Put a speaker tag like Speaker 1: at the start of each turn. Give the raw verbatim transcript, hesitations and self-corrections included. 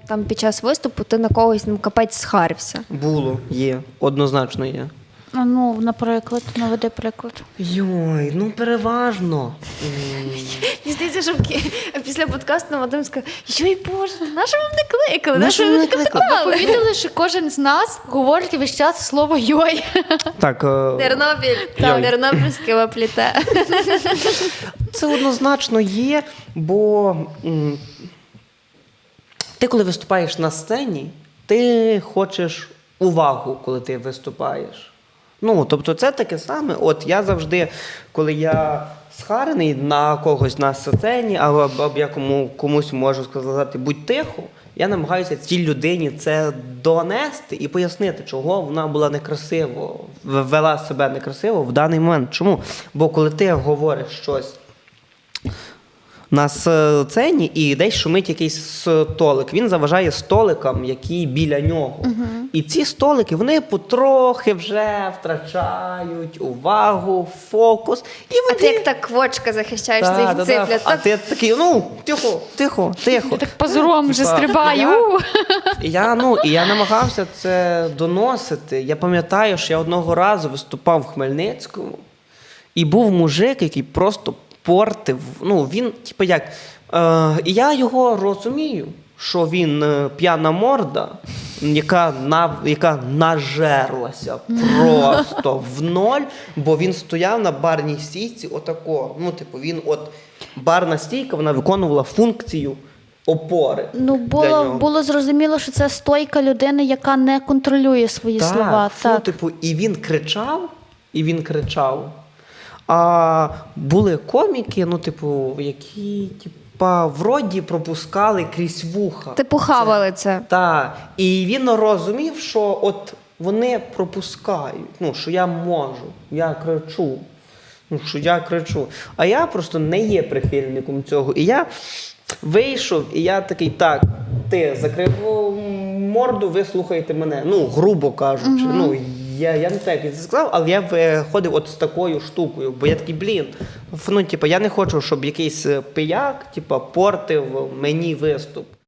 Speaker 1: там під час виступу ти на когось ну, капець схарився?
Speaker 2: Було, є, однозначно є.
Speaker 3: А ну, наприклад, наведи приклад.
Speaker 2: Йой, ну переважно.
Speaker 1: Мені здається, що після подкасту Вадим сказав, йой, Боже, на що ви мене кликали?
Speaker 2: На
Speaker 1: На
Speaker 2: що
Speaker 1: що
Speaker 2: ви
Speaker 1: ви
Speaker 2: мене
Speaker 1: мене
Speaker 2: кликали?
Speaker 1: кликали?
Speaker 3: Помітили, що кожен з нас говорить весь час слово «йой».
Speaker 2: Так, е,
Speaker 1: Тернопіль,
Speaker 2: Йой.
Speaker 1: Тернопільське пліте.
Speaker 2: це однозначно є, бо м, ти, коли виступаєш на сцені, ти хочеш увагу, коли ти виступаєш. Ну, тобто це таке саме. От я завжди, коли я схарений на когось на сцені, або, або я кому, комусь можу сказати, будь тихо, я намагаюся цій людині це донести і пояснити, чого вона була некрасиво, вела себе некрасиво в даний момент. Чому? Бо коли ти говориш щось на сцені і десь шумить якийсь столик. Він заважає столикам, які біля нього. Uh-huh. І ці столики, вони потрохи вже втрачають увагу, фокус. І
Speaker 1: А
Speaker 2: вони...
Speaker 1: ти як так квочка захищаєш
Speaker 2: Да,
Speaker 1: своїх
Speaker 2: да,
Speaker 1: цифлят.
Speaker 2: да. А
Speaker 1: Так,
Speaker 2: ти такий, ну, тихо, тихо, тихо.
Speaker 3: Так позором вже
Speaker 2: Типа,
Speaker 3: стрибаю.
Speaker 2: Я, я, ну, і я намагався це доносити. Я пам'ятаю, що я одного разу виступав в Хмельницькому, і був мужик, який просто портив. Ну, він, типу, як. Е, і я його розумію, що він е, п'яна морда, яка, на, яка нажерлася просто в ноль, бо він стояв на барній стійці отако. Ну, типу, він от барна стійка, вона виконувала функцію опори.
Speaker 3: Ну,
Speaker 2: для
Speaker 3: було,
Speaker 2: нього.
Speaker 3: було зрозуміло, що це стойка людини, яка не контролює свої
Speaker 2: Так,
Speaker 3: слова.
Speaker 2: фу,
Speaker 3: Так.
Speaker 2: типу, і він кричав, і він кричав. А були коміки, ну, типу, які, типа, вроді пропускали крізь вуха.
Speaker 1: типу хавали це.
Speaker 2: Так. І він розумів, що от вони пропускають, ну, що я можу, я кричу. Ну, що я кричу. А я просто не є прихильником цього. І я вийшов, і я такий, так, ти закрив морду, ви слухаєте мене. Ну, грубо кажучи. Uh-huh. Ну, я, я не так це сказав, але я виходив от з такою штукою, бо я такий, блін, ну, типу, я не хочу, щоб якийсь пияк, типу, портив мені виступ.